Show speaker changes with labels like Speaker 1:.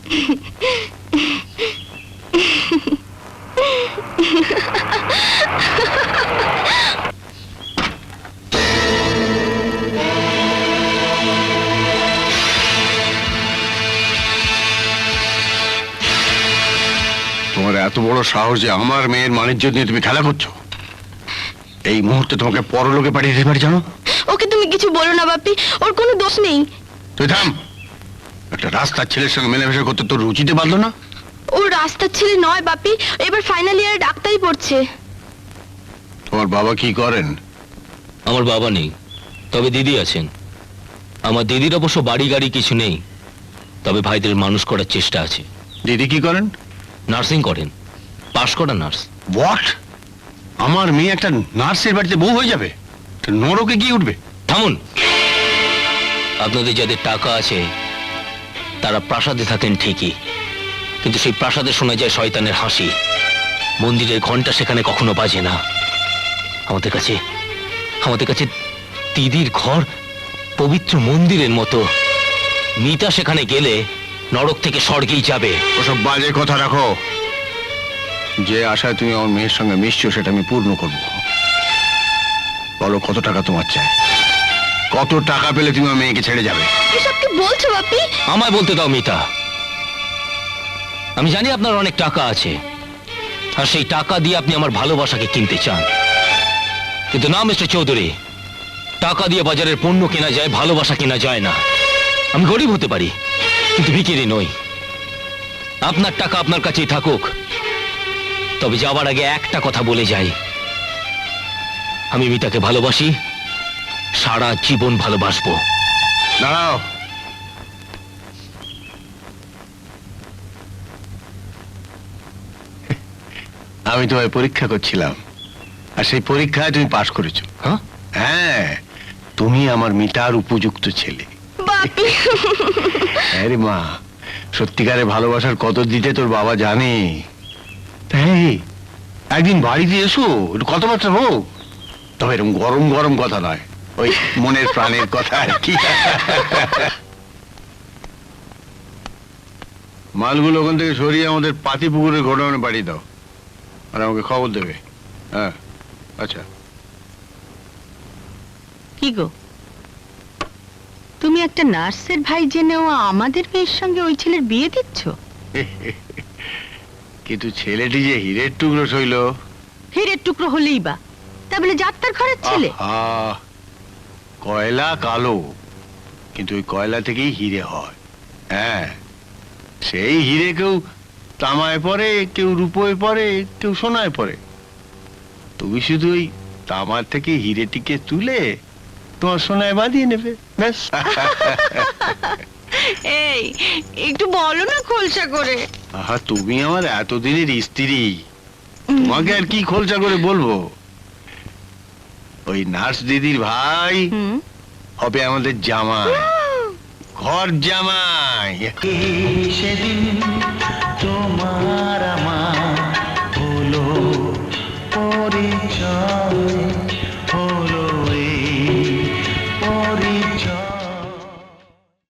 Speaker 1: তোমার এত বড় সাহস যে আমার মেয়ের মানিজ্য নিয়ে তুমি খেলা করছো? এই মুহূর্তে তোমাকে পরলোকে পাঠিয়ে দিতে পারি জানো?
Speaker 2: ওকে তুমি কিছু বলো না বাপি, ওর কোনো দোষ নেই।
Speaker 1: তুই থাম। একটা রাস্তার ছেলের সঙ্গে মেলামেশা করতে তোর রুচিতে পারলো না?
Speaker 2: ও রাস্তার ছেলে নয় বাপি, এবার ফাইনাল ইয়ারে ডাক্তারি পড়ছে।
Speaker 1: তোমার বাবা কি করেন?
Speaker 3: আমার বাবা নেই, তবে দিদি আছেন। আমার দিদির অবশ্য বাড়ি গাড়ি কিছু নেই, তবে ভাইদের মানুষ করার চেষ্টা আছে।
Speaker 1: দিদি কি করেন?
Speaker 3: নার্সিং করেন, পাশ করা নার্স।
Speaker 1: হোয়াট? আমার মেয়ে একটা নার্সের বাড়িতে বউ হয়ে যাবে? নরকে গিয়ে উঠবে।
Speaker 3: থামুন। আপনাদের যাদের টাকা আছে তারা প্রাসাদে থাকেন ঠিকই, কিন্তু সেই প্রাসাদে শোনা যায় শয়তানের হাসি। মন্দিরের ঘন্টা সেখানে কখনো বাজে না। আমাদের কাছে দিদির ঘর পবিত্র মন্দিরের মতো। মিতা সেখানে গেলে নরক থেকে স্বর্গেই যাবে।
Speaker 1: ওসব বাজে কথা রাখো। যে আশায় তুমি আমার মেয়ের সঙ্গে মিশছো সেটা আমি পূর্ণ করব। বলো কত টাকা তোমার চাই? কত টাকা পেলে তুমি আমার মেয়েকে ছেড়ে যাবে?
Speaker 2: এসব কি বলছো বাপি?
Speaker 3: আমায় বলতে দাও মিতা। আমি জানি আপনার অনেক টাকা আছে, আর সেই টাকা দিয়ে আপনি আমার ভালোবাসাকে কিনতে চান। কিন্তু না মিস্টার চৌধুরী, টাকা দিয়ে বাজারের পণ্য কেনা যায়, ভালোবাসা কেনা যায় না। আমি গরিব হতে পারি, কিন্তু ভিখিরি নই। আপনার টাকা আপনার কাছেই থাকুক, তবে যাওয়ার আগে একটা কথা বলে যাই। আমি মিতাকে ভালোবাসি, সারা জীবন ভালোবাসবো।
Speaker 1: দাঁড়াও। আমি তোমায় পরীক্ষা করছিলাম, আর সেই পরীক্ষায় তুমি পাশ করেছো।
Speaker 3: হ্যাঁ,
Speaker 1: হ্যাঁ, তুমি আমার মিতার উপযুক্ত ছেলে।
Speaker 2: বাপি
Speaker 1: আরে মা, সত্যিকারে ভালোবাসার কত দিতে তোর বাবা জানে। তাই একদিন বাড়িতে এসো, একটু কথাবার্তা হোক। তবে এরকম গরম গরম কথা নয়, ওই মনের প্রাণের কথা আর কি। মালগুলো ওখান থেকে সরিয়ে আমাদের পাতি পুকুরের গোডাউনে বাড়ি দাও, আর আমাকে খবর দেবে। হ্যাঁ, আচ্ছা।
Speaker 4: কি গো, তুমি একটা নার্সের ভাই জেনেও আমাদের মেয়ের সঙ্গে ওই ছেলের বিয়ে দিচ্ছ?
Speaker 1: কিন্তু ছেলেটি যে হীরের টুকরো সইল।
Speaker 4: হীরের টুকরো হলেই বা, তা বলে যাত্রার ঘরের ছেলে?
Speaker 1: কয়লা কালো, কিন্তু ওই কয়লা থেকেই হিরে হয়। হ্যাঁ, সেই হিরে কেউ তামায় পরে, কেউ রূপোয় পরে, কেউ সোনায় পরে। তুমি শুধু ওই তামার থেকে হিরেটিকে তুলে তোমার সোনায় বাঁধিয়ে নেবে, ব্যাস।
Speaker 4: এই একটু বলো না খোলসা করে।
Speaker 1: আহা, তুমি আমার এতদিনের স্ত্রী, তোমাকে আর কি খোলসা করে বলবো। ওই নার্স দিদির ভাই হবে আমাদের জামাই, ঘর জামাই। সেদিন তোমার